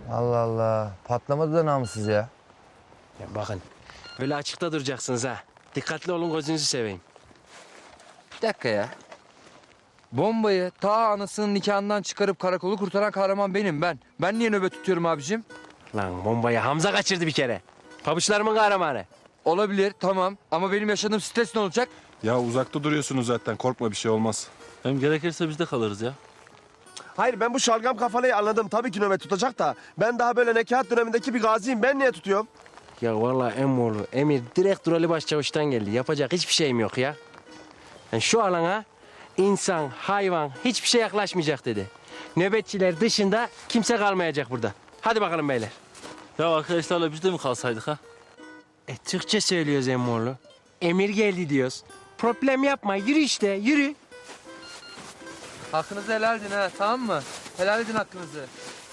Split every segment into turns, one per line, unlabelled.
Allah Allah. Patlamadı da namussuz ya.
Ya bakın, böyle açıkta duracaksınız ha. Dikkatli olun, gözünüzü seveyim.
Bir dakika ya. Bombayı ta anasının nikahından çıkarıp karakolu kurtaran kahraman benim ben. Ben niye nöbet tutuyorum abicim?
Lan bombayı Hamza kaçırdı bir kere. Pabuçlarımın kahramanı.
Olabilir tamam ama benim yaşadığım stres ne olacak?
Ya uzakta duruyorsunuz zaten. Korkma, bir şey olmaz.
Hem gerekirse biz de kalırız ya.
Hayır, ben bu şalgam kafalıyı anladım. Tabii ki nöbet tutacak da. Ben daha böyle nekaat dönemindeki bir gaziyim. Ben niye tutuyorum?
Ya vallahi emmoğlu, emir direkt Durali Başçavuş'tan geldi. Yapacak hiçbir şeyim yok ya. Yani şu alana insan, hayvan hiçbir şey yaklaşmayacak dedi. Nöbetçiler dışında kimse kalmayacak burada. Hadi bakalım beyler.
Ya arkadaşlarla biz de mi kalsaydık ha?
Türkçe söylüyoruz emmoğlu. Emir geldi diyoruz. Problem yapma, yürü işte, yürü.
Hakkınızı helal edin ha tamam mı? Helal edin hakkınızı.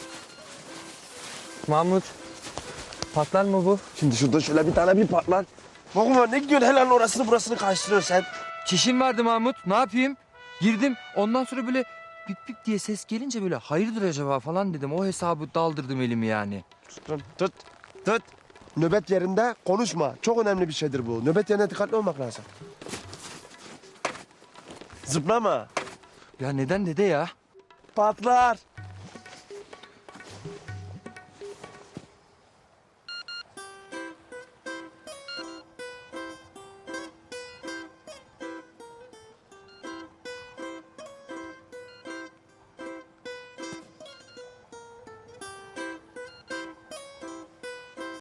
Mahmut. Patlar mı bu?
Şimdi şurada şöyle bir tane bir patlar. Bakma ne gidiyorsun helalin orasını burasını karıştırıyorsun sen.
Çişim vardı Mahmut ne yapayım? Girdim ondan sonra böyle bip bip diye ses gelince böyle hayırdır acaba falan dedim. O hesabı daldırdım elimi yani.
Tut. Nöbet yerinde konuşma. Çok önemli bir şeydir bu. Nöbet yerine dikkatli olmak lazım. Zıplama.
Ya neden dede ya?
Patlar.